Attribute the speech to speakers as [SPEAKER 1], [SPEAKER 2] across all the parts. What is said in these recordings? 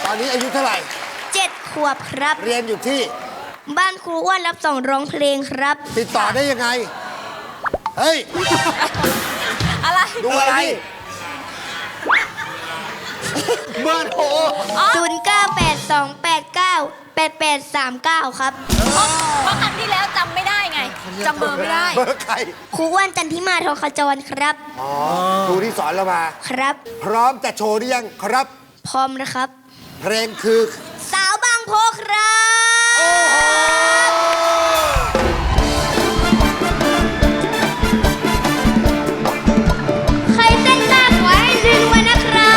[SPEAKER 1] ตอนนี้อายุเท่าไหร่
[SPEAKER 2] 7 ขวบครับ
[SPEAKER 1] เรียนอยู่ที่
[SPEAKER 2] บ้านครูอ้วนรับส่งร้องเพลงครับ
[SPEAKER 1] ติดต่อได้ยังไง เฮ้ย
[SPEAKER 3] อะไร
[SPEAKER 1] ดูอะไรเบอร์โทร
[SPEAKER 2] 0982898839 ครับ
[SPEAKER 3] เพราะครั้งที่แล้วจำไม่ได้ไงจำเบอร์ไม่ได้
[SPEAKER 1] เบอร์ใคร
[SPEAKER 2] ครูอ้วนจันทิมาทองขจรครับ
[SPEAKER 1] อ๋อครูที่สอนเรามา
[SPEAKER 2] ครับ
[SPEAKER 1] พร้อมจะโชว์หรือยังครับ
[SPEAKER 2] พร้อมนะครับ
[SPEAKER 1] เพลงคือ
[SPEAKER 2] สาวบางโพครับใครเต้นได้ขอให้รวยๆนะครับ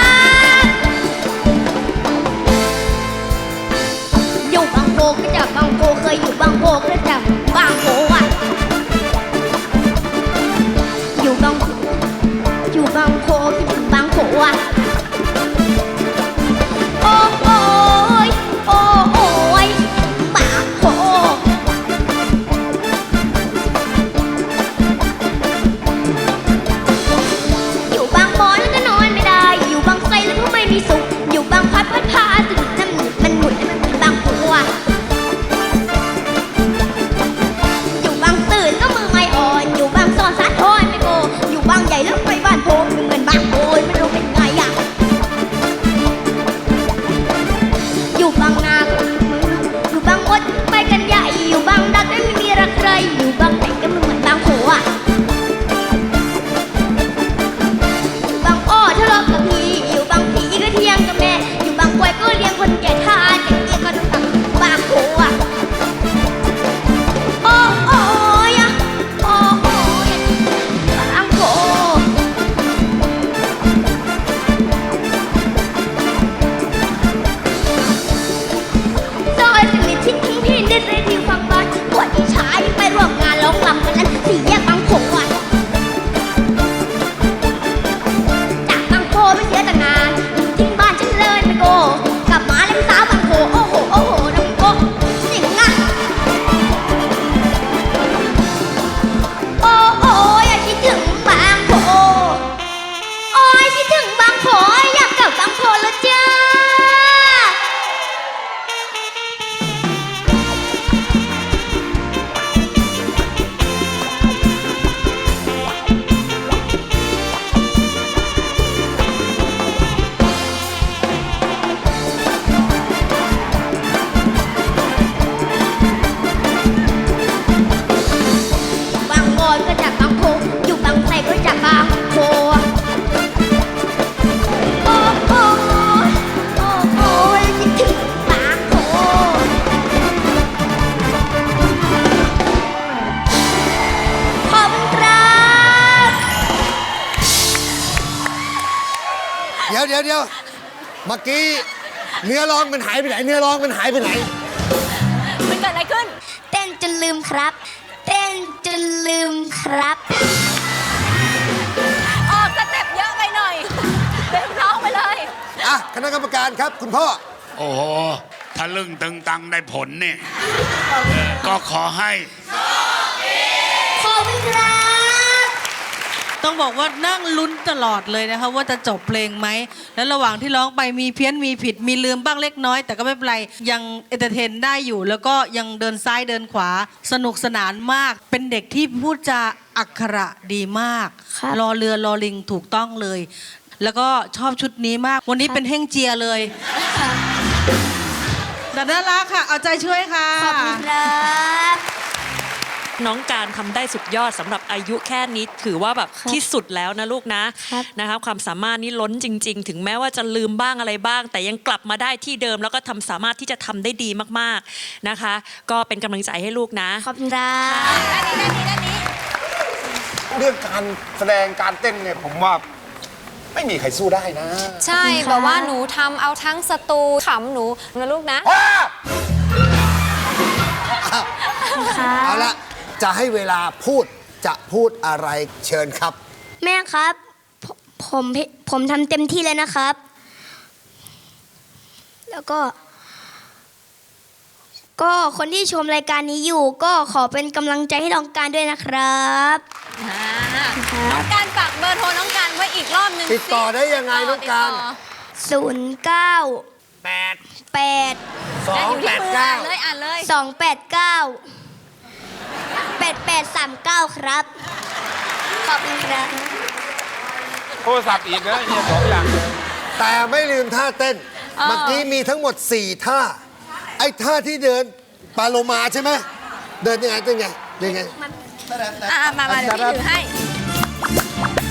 [SPEAKER 2] อยู่บางโพก็จากบางโพเคยอยู่บางโพก็จากบางโพอ่ะอยู่บางโพอยู่บางโพก็จากบางโพอ่ะโอ้โอ้ยโอ้โอ้ยบางโพอยู่บางบอนแล้วก็นอนไม่ได้อยู่บางไทรแล้วก็ไม่มีสุขอยู่บางพัดพาสนุกน้ำหนุนมันหมุนแล้วมันเป็นบางโพอ่ะอยู่บางตื่นก็มือไม่อ่อนอยู่บางซอนสาทรไม่โกอยู่บางใหญ่แล้วไปบ้านโพเหมือนบางโอยไม่รู้เป็นไงอ่ะอยู่บางนาอยู่บางมดไปกันใหญ่อยู่บางดักไม่มีรักใครอยู่บางไหนก็ไม่เหมือนบางโพอ่ะอยู่บางอ้อทะเลาะกับพี่อยู่บางผีก็เที่ยงกับแม่อยู่บางกวยก็เลี้ยงคนแก่ทานอย่างเงี้ยก็ต้องทำบางโพอ่ะโอ้โอ้ยอะโอ้โอ้ยบางโพซอยสนิทชิดทิ้งพี่นิดเลยที่ฟังบ้านปวดที่ชายไปร่วมงานร้องรำกันนั้นสี่แยกบางโพอ่ะจากบางโพไม่เสียแต่งานอยู่ทิ้งบ้านฉันเลยไม่โกกลับมาเล่นสาวบางโพโอ้โหโอ้โหน้องโกสิงอ่ะ โอ้โอ้ยคิดถึงบางโพโอ้ยคิดถึงบางโพอยากกลับบางโพแล้วจ้าบางบอนก็จากบางโพอยู่บางไทรก็จากบางโพโอ้โอ้โอ้โอ้ยคิดถึงบางโพขอบคุณครับ
[SPEAKER 1] เดี๋ยวเมื่อกี้เนื้อร้องมันหายไปไหน เนื้อร้องมันหายไปไหน
[SPEAKER 3] มันเกิดอะไรขึ้น
[SPEAKER 2] เต้นจนลืมครับ เต้นจนลืมครับ
[SPEAKER 3] ออกสเต็ปเยอะไปหน่อยเป็นน้องไปเลย
[SPEAKER 1] อ่ะคณะกรรมการครับ คุณพ่อ
[SPEAKER 4] โอ้โหทะลึ่งตึงตังได้ผลเนี่ยก็ขอให้
[SPEAKER 2] ขอบคุณครับ
[SPEAKER 5] ต้องบอกว่านั่งลุ้นตลอดเลยนะคะว่าจะจบเพลงไหม แล้วระหว่างที่ร้องไปมีเพี้ยนมีผิดมีลืมบ้างเล็กน้อย แต่ก็ไม่เป็นไรยังเอนเตอร์เทนได้อยู่ แล้วก็ยังเดินซ้ายเดินขวาสนุกสนานมาก เป็นเด็กที่พูดจาอักขระดีมาก
[SPEAKER 2] ครับ
[SPEAKER 5] รอเรือรอลิงถูกต้องเลย แล้วก็ชอบชุดนี้มาก วันนี้เป็นเฮ่งเจียเลยแต่น่ารักค่ะ เอาใจช่วยค่ะ
[SPEAKER 2] ขอบคุณครับ
[SPEAKER 6] น้องการทำได้สุดยอดสำหรับอายุแค่นี้ถือว่าแบบ
[SPEAKER 2] ครับ
[SPEAKER 6] ที่สุดแล้วนะลูกนะครับ นะคะความสามารถนี้ล้นจริง ๆ ถึงแม้ว่าจะลืมบ้างอะไรบ้าง แต่ยังกลับมาได้ที่เดิมแล้วก็สามารถที่จะทำได้ดีมากๆนะคะ ก็เป็นกำลังใจให้ลูกนะ
[SPEAKER 2] ขอบคุณครับ
[SPEAKER 3] ด้านนี้
[SPEAKER 7] เรื่องการแสดงการเต้นเนี่ยผมว่าไม่มีใครสู้ได้นะ
[SPEAKER 3] ใช่แบบว่าหนูทำเอาทั้งสตูขำหนูนะลูกนะ
[SPEAKER 1] เอาละจะให้เวลาพูดจะพูดอะไรเชิญครับ
[SPEAKER 2] แม่ครับผมทำเต็มที่เลยนะครับ แล้วก็คนที่ชมรายการนี้อยู่ ก็ขอเป็นกำลังใจให้น้องการด้วยนะครับ
[SPEAKER 3] น้องการฝากเบอร์โทรน้องการไว้อีกรอบหนึ่ง
[SPEAKER 1] ติดต่อได้ยังไงน้องการ
[SPEAKER 3] ติดต่อ
[SPEAKER 2] 09 8
[SPEAKER 3] 289เลยอ่านเลย
[SPEAKER 2] 289 ครับ ขอบคุณครับ
[SPEAKER 7] โทรศัพท์อีกนะเนี่ย2 อย่างเลย
[SPEAKER 1] แต่ไม่ลืมท่าเต้น เมื่อกี้มีทั้งหมด 4 ท่า ไอ้ท่าที่เดินปาโลมาใช่ไหม เดินยังไงยังไง
[SPEAKER 3] มาเดี๋ยวพี่ถือให้